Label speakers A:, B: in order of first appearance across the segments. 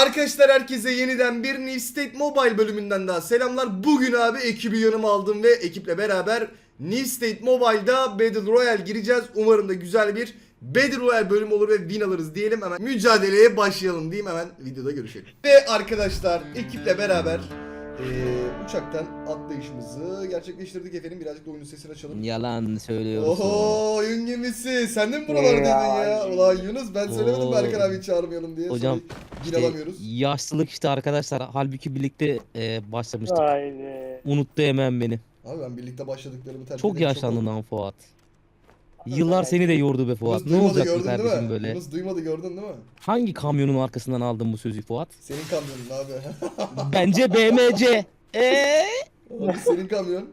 A: Arkadaşlar herkese yeniden bir New State Mobile bölümünden daha selamlar. Bugün abi ekibi yanıma aldım ve ekiple beraber New State Mobile'da Battle Royale gireceğiz. Umarım da güzel bir Battle Royale bölümü olur ve win alırız diyelim. Hemen mücadeleye başlayalım diyeyim, hemen videoda görüşelim. Ve arkadaşlar ekiple beraber uçaktan atlayışımızı gerçekleştirdik efendim. Birazcık da oyunun sesini açalım.
B: Yalan söylüyorsun.
A: Oho, oyun gemisi. Sen de mi buralardaydın ya? Ulan Yunus, ben söylemedim
B: Oo.
A: Berkan abi çağırmayalım diye.
B: Hocam,
A: Sonra
B: İşte
A: alamıyoruz.
B: yaşlılık işte arkadaşlar. Halbuki birlikte başlamıştık.
C: Haydi.
B: Unuttu hemen beni.
A: Abi ben birlikte başladıklarımı terk
B: Çok
A: edeli
B: yaşlandın
A: oldu.
B: lan Fuat. Yıllar seni de yordu be Fuat.
A: Yunus
B: Ne
A: duymadı,
B: olacak bu
A: gördün değil
B: kardeşim
A: mi?
B: böyle?
A: Yunus duymadı, gördün değil mi?
B: Hangi kamyonun arkasından aldın bu sözü Fuat?
A: Senin kamyonun abi.
B: Bence BMC.
A: Abi senin kamyon.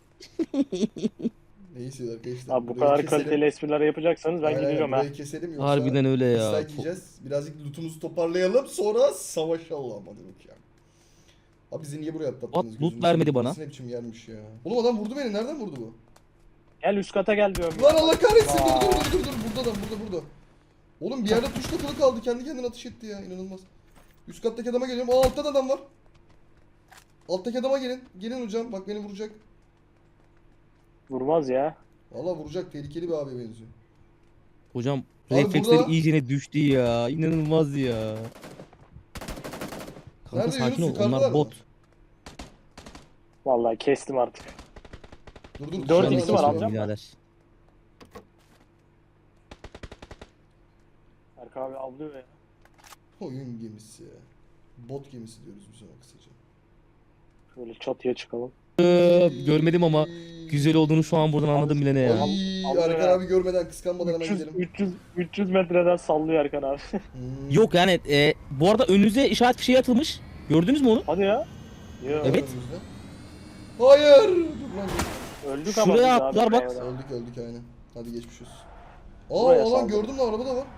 A: Neyse arkadaşlar.
C: Abi bu
A: burayı
C: kadar
A: keselim.
C: kaliteli espriler yapacaksanız ben
A: Aynen,
C: gidiyorum ha.
A: burayı keselim yoksa
B: Harbiden öyle ya.
A: dislike yiyeceğiz. Birazcık lootumuzu toparlayalım, sonra savaşalım. Hadi bakayım. Abi bizi niye buraya atlattınız?
B: Loot
A: Gözünüzü
B: vermedi
A: seveyim.
B: bana.
A: Burası ne biçim yermiş ya. Oğlum adam vurdu beni. Nereden vurdu bu?
C: Gel üst kata gel diyorum.
A: Lan Allah kahretsin.
C: Aa.
A: Dur. Burada adam, burada. Oğlum bir yerde tuş takılı kaldı. Kendi kendine ateş etti ya. İnanılmaz. Üst kattaki adama geliyorum. Aa, altta da adam var. Alttaki adama gelin. Gelin hocam. Bak beni vuracak.
C: Vurmaz ya.
A: Vallahi vuracak. Tehlikeli bir abiye benziyor.
B: Hocam
A: Abi
B: refleksleri
A: burada-
B: iyicene düştü ya. İnanılmaz ya. Kanka
A: Nerede
B: sakin
A: Yunus?
B: ol.
A: Yukarıdalar
B: Onlar
A: mı?
B: bot.
C: Vallahi kestim artık.
A: Dur.
C: Dört
A: dışarıdan
C: ikisi
A: adam
C: var,
A: geliyor.
C: alacağım.
B: birader.
C: Erkan abi avlıyor ya.
A: Oyun gemisi ya. Bot gemisi diyoruz biz ona kısaca.
C: Şöyle çatıya çıkalım.
B: Görmedim ama güzel olduğunu şu an buradan anladım bile ne ya.
A: Ay,
C: Alıyor
A: Erkan
C: ya.
A: abi görmeden kıskanmadan hemen
C: 300,
A: gidelim.
C: 300 metreden sallıyor Erkan abi.
B: Yok yani bu arada önünüze işaret fişeği atılmış. Gördünüz mü onu?
C: Hadi ya. Yo.
B: Evet.
A: Hayır. Dur lan.
C: Öldük ama
B: Şuraya
C: biz abi
B: attılar bak.
C: buraya.
A: Öldük aynen. Hadi geçmiş olsun.
C: Buraya
A: Aa lan
C: saldım.
A: gördüm lan, araba da var.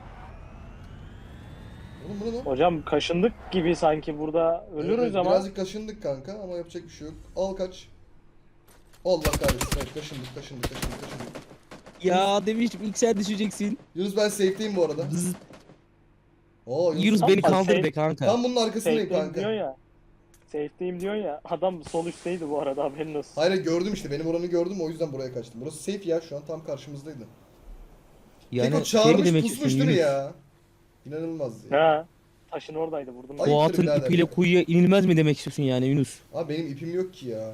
A: Oğlum bu ne lan?
C: Hocam kaşındık gibi sanki burada ölürüz
A: Evet,
C: ama.
A: birazcık kaşındık kanka ama yapacak bir şey yok. Al kaç. Allah kahretsin. Evet, kaşındık.
B: Ya demiştim ilk sen düşeceksin.
A: Yunus ben safe'deyim bu arada.
B: Bzzz.
A: Aa
B: Yunus
C: Tam
B: beni
C: bak,
B: kaldır
C: şey-
B: be kanka.
A: Tam bunun arkasındayım
C: Safe'deyim diyor
A: kanka.
C: ya. Safe'deyim diyor ya. Adam sol üstteydi bu arada, haberin olsun.
A: Hayır gördüm işte, benim oranı gördüm, o yüzden buraya kaçtım. Burası safe ya, şu an tam karşımızdaydı. Tek o
B: Yani
A: çağırmış
B: demek
A: pusmuş
B: istiyorsun
A: değil mi
B: Yunus?
A: ya? İnanılmaz ya.
C: Ha. Taşın oradaydı, vurdum.
A: Ay.
B: Bu
A: Ayıptır
B: atın
A: birader
B: ipiyle
A: ya.
B: kuyuya inilmez mi demek istiyorsun yani Yunus?
A: Abi benim ipim yok ki ya.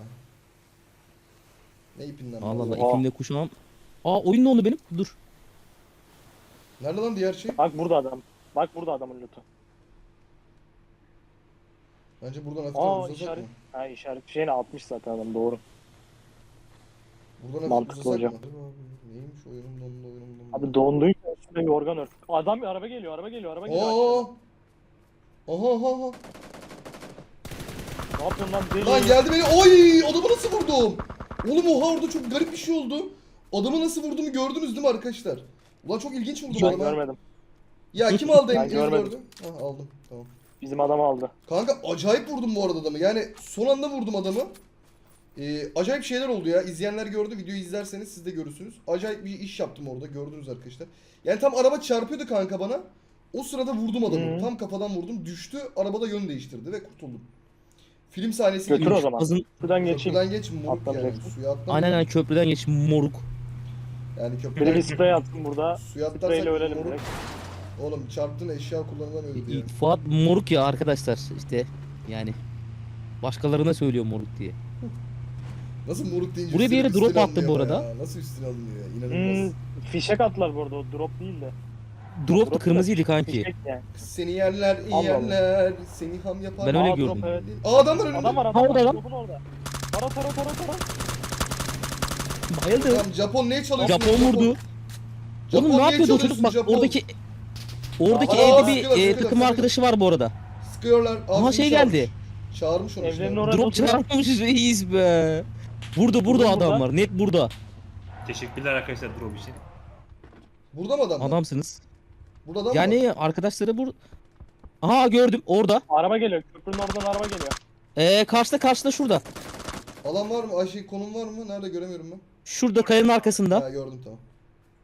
A: Ne ipinden?
B: Allah Allah
A: bahsediyorsun?
C: Oha.
B: ipimle kuşağım. Aa oyun ne oldu benim? Dur.
A: Nerede lan diğer şey?
C: Bak burada adam. Bak burada adamın lootu.
A: Bence buradan hafiften
C: Aa
A: uzasak
C: işaret.
A: mı?
C: Ha işaret şeyini atmış zaten adam, doğru.
A: Buradan hafif
C: Mantıklı
A: uzasak
C: hocam.
A: mı? Abi, neymiş oyunum dondu.
C: Abi donduysa üstüne bir organ ört. Adam bir araba geliyor. Araba geliyor.
A: Aa!
C: aşağıdan.
A: Aha.
C: Ne yapıyorsun lan deli?
A: Lan geldi beni. Oy! Adamı nasıl vurdum? Oğlum oha, orada çok garip bir şey oldu. Adamı nasıl vurduğumu gördünüz değil mi arkadaşlar? Ulan çok ilginç vurdum
C: Ben
A: adama.
C: görmedim.
A: Ya kim aldı
C: Ben
A: en
C: görmedim.
A: gördü? Ha, aldım. Tamam.
C: Bizim adamı aldı.
A: Kanka acayip vurdum bu arada adamı. Yani son anda vurdum adamı. Acayip şeyler oldu ya. İzleyenler gördü. Videoyu izlerseniz siz de görürsünüz. Acayip bir iş yaptım orada. Gördünüz arkadaşlar. Yani tam araba çarpıyordu kanka bana. O sırada vurdum adamı.
C: Hı.
A: Tam kafadan vurdum. Düştü. Arabada yön değiştirdi ve kurtuldum. Film sahnesi
C: Götür
A: gibi.
C: o zaman.
B: Azın,
C: Şuradan geçeyim.
A: Köprüden geç moruk yani.
C: Atlamayacaksın.
A: Suya atlama.
B: aynen köprüden geç moruk.
A: Yani
C: Biri
A: köprüden
C: bir sprey atsın burada.
A: suya
C: Spreyle
A: atlarsak
C: ölelim
A: moruk.
C: direkt.
A: Oğlum çarptın, eşya kullanılan öldü ya.
B: Fuat moruk ya arkadaşlar işte yani. Başkalarına söylüyor moruk diye.
A: Nasıl moruk deyince
B: Buraya bir yere
A: üstüne
B: drop attı
A: alınıyor
B: bu
A: ama
B: arada.
A: ya. Nasıl üstüne alınıyor ya? İnanılmaz.
C: Fişek attılar bu arada, o drop değil de.
B: Drop da
C: Drop
B: kırmızıydı
C: da
B: kanki.
C: Fişek yani.
A: Seni yerler,
C: Allah
A: yerler, seni ham yapar.
B: Ben öyle
C: Aa,
B: gördüm.
C: drop, evet.
A: Adam var önünde.
C: Adam var,
B: Ha,
C: adam
B: orada
C: var.
B: lan.
C: Drop'un orada. Tara.
B: Bayıldı.
A: Tamam, Japon neye çalışıyorsun?
B: Japon vurdu.
A: Japon
B: Oğlum ne
A: niye
B: yapıyordu o çocuk?
A: çalıyorsun
B: Bak
A: Japon?
B: oradaki
A: Aa,
B: evde bir
A: sıkıyorlar,
B: takım
A: sıkıyorlar.
B: arkadaşı var bu arada.
A: Sıkıyorlar.
B: Aha
A: Ağzını
B: şey
A: çağırmış.
B: geldi.
A: Çağırmış onu
C: Evlerinin
A: işte.
C: oraya
B: Drop
C: oturuyor.
B: çarpmış reis be. Burada
C: Burada.
B: adamlar. Net burada.
D: Teşekkürler arkadaşlar drop için.
A: Burada mı adam?
B: Adamsınız.
A: Burada adam mı?
B: Yani arkadaşları Aha gördüm orada.
C: Araba geliyor. Köprünün oradan araba geliyor.
B: Karşıda şurada.
A: Alan var mı? Ay şey, konum var mı? Nerede, göremiyorum ben.
B: Şurada kayanın arkasında.
A: Ha, gördüm tamam.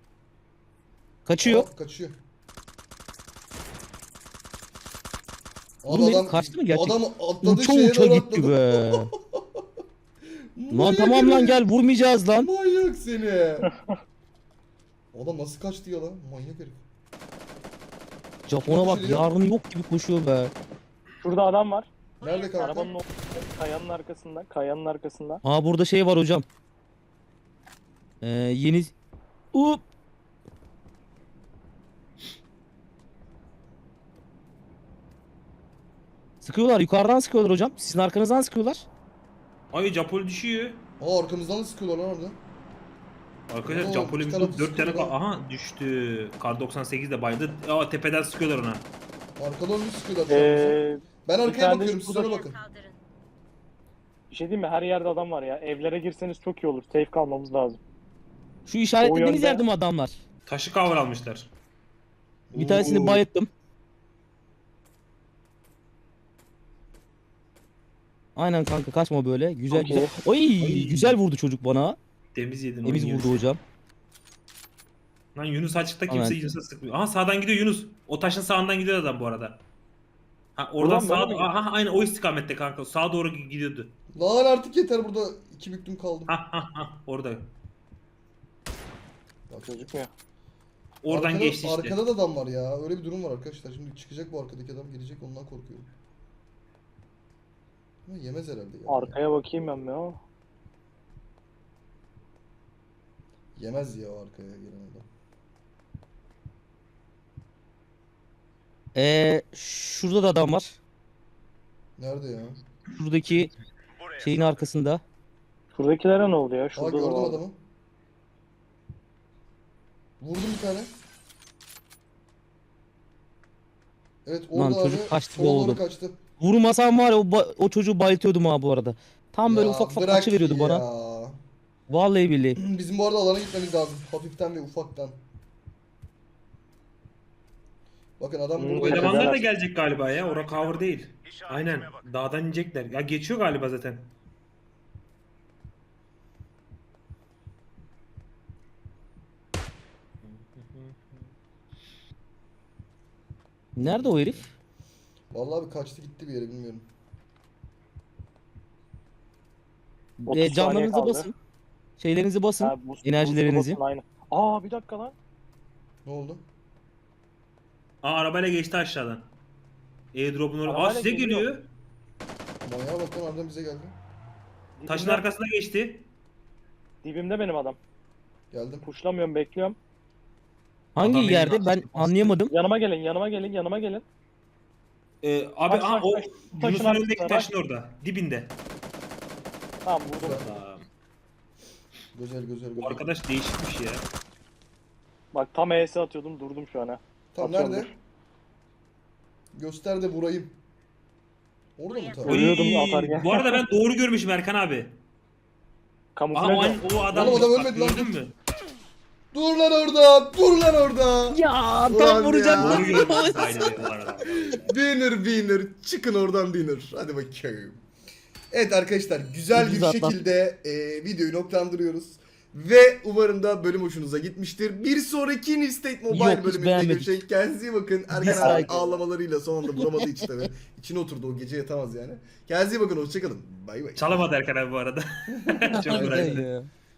B: Kaçıyor.
A: Aa, kaçıyor. Abi
B: Oğlum,
A: adam
B: kaçtı mı gerçekten?
A: Adam atladı
B: Uça
A: şeye
B: uça
A: doğru
B: gitti
A: atladı.
B: be. Lan
A: Manyak
B: tamam lan
A: herif.
B: gel vurmayacağız lan.
A: Manyak seni. Adam nasıl kaçtı ya lan? Manyak herif.
B: Japona bak
A: Düşürüyor.
B: yarın yok gibi koşuyor be.
C: Şurada adam var.
A: Nerede kanka?
C: Arabanın o kayanın arkasında. Kayanın arkasında.
B: Aa burada şey var hocam. Yeni... Up. Sıkıyorlar yukarıdan sıkıyorlar hocam. Sizin arkanızdan sıkıyorlar.
D: Ay Japol düşüyor.
A: Aa arkamızdan da sıkıyorlar lan orada.
D: Arkadaşlar
A: Oo,
D: Japol'e
A: iki
D: bir
A: tarafı
D: 4 tane
A: sıkıyorlar.
D: aha düştü. Kar 98 de baydı. Aa tepeden sıkıyorlar ona.
A: Arkadan bir sıkıyorlar şu an bize. Ben
C: bir
A: arkaya
C: tane de
A: bakıyorum siz ona
C: şurada-
A: bakın.
C: Bir şey diyeyim mi? Her yerde adam var ya. Evlere girseniz çok iyi olur. Safe kalmamız lazım.
B: Şu işaretlediğiniz
C: yönde.
B: yerde mi adamlar?
D: Taşı cover almışlar.
B: Bir tanesini
A: Oo.
B: bayılttım. Aynen kanka kaçma böyle. Güzel
C: Okey.
B: güzel. Oy güzel vurdu çocuk bana.
D: Temiz yedin
B: Temiz
D: onu
B: vurdu
D: Yunus.
B: hocam.
D: Lan Yunus açıkta kimse
B: Aynen.
D: Yunus'a sıkmıyor. Aha sağdan gidiyor Yunus. O taşın sağından gidiyor adam bu arada. Ha oradan
C: Ulan böyle
D: sağa
C: mi?
D: aha aynı o istikamette kanka. Sağa doğru gidiyordu.
A: Lan artık yeter burada 2 büklüm kaldım.
D: Ha orada.
C: Gözükmüyor.
D: Oradan
A: Arkada-
D: geçti işte.
A: Arkada da adam var ya. Öyle bir durum var arkadaşlar. Şimdi çıkacak bu arkadaki adam gelecek ondan korkuyorum. Ama yemez herhalde ya.
C: Arkaya bakayım ben ya.
A: Yemez ya o arkaya gelen adam.
B: Şurada da adam var.
A: Nerede ya?
B: Şuradaki şeyin arkasında.
C: Şuradakilere ne oldu ya?
A: Aa
C: Şurada da
A: gördüm
C: var.
A: adamı. Vurdum bir tane. Evet orada
B: Lan çocuk
A: abi
B: kaçtı
A: sola
B: be
A: doğru
B: oğlum.
A: kaçtı.
B: Vurmasam var ya o çocuğu bayıltıyordum ha bu arada. Tam böyle
A: Ya
B: ufak ufak
A: bırak
B: açı veriyordu bana.
A: ya.
B: Vallahi billahi.
A: Bizim bu arada alana gitmemiz lazım. Hafiften ve ufaktan. Bakın adam
C: Hmm,
A: burada.
D: Bu
C: öyle
D: elemanlar da
C: beraber.
D: gelecek galiba ya. Ora cover değil. Aynen. Dağdan inecekler. Ya geçiyor galiba zaten.
B: Nerede o herif?
A: Vallahi bir kaçtı gitti bir yere bilmiyorum.
C: 30 saniye
B: Canlarınızı
C: kaldı.
B: basın. Şeylerinizi basın.
C: Ha,
B: enerjilerinizi.
C: basın, aynen. Aa bir dakika lan.
A: Ne oldu?
D: Aa arabayla geçti aşağıdan. Airdrop'un oraya. Aa
C: Arabayla
D: size
C: geliyor.
D: geliyor.
A: Manyağa bak lan harbiden bize geldi.
D: Taşın
C: Dibimde-
D: arkasına geçti.
C: Dibimde benim adam.
A: Geldim.
C: Puşlamıyorum, bekliyorum.
B: Hangi
D: Adam
B: yerde
D: benim
B: ben anlayamadım.
C: Yanıma gelin, yanıma gelin, yanıma gelin.
D: Abi
C: Taş,
D: aa
C: taş,
D: o
C: taş.
D: Yunus'un
C: Taşın
D: önündeki
C: arkasına,
D: taşın orada. Dibinde.
C: Tamam vurdum.
D: Aa,
A: Güzel güzel
D: bu
A: güzel.
D: arkadaş değişikmiş ya.
C: Bak tam ES atıyordum, durdum şu an ha.
A: Tam
C: Atıyorum,
A: nerede?
C: dur.
A: Göster de vurayım. Orada mı tam?
C: Oy. Ölüyordum
D: Oy,
C: atarken.
D: bu arada ben doğru görmüşüm Erkan abi. Aa
C: Kamuflaj
D: o,
C: o.
D: o adam
A: Oğlum adam
D: bak,
A: ölmedi lan.
D: gördün mü?
A: Dur lan orada! Dur lan orada!
B: Ya
A: Ulan
B: tam vuracaktım.
D: Doğru görmüşüm aynen bu arada.
A: Winner çıkın oradan winner. Hadi bakayım. Evet arkadaşlar güzel bir
B: Ucuz atlat.
A: şekilde videoyu noktalandırıyoruz. Ve umarım da bölüm hoşunuza gitmiştir. Bir sonraki New State Mobile
B: Yok, hiç
A: bölümünde
B: beğenmedik.
A: görüşelim. Kendinize iyi bakın. Erkan abi
B: Dislike.
A: ağlamalarıyla son anda vuramadığı için tabii. İçine oturdu o gece yatamaz yani. Kendinize iyi bakın hoşçakalın. Bay bay.
D: Çalamadı Erkan abi bu arada. Çok
B: Aynen
D: uğraştı.
B: ya.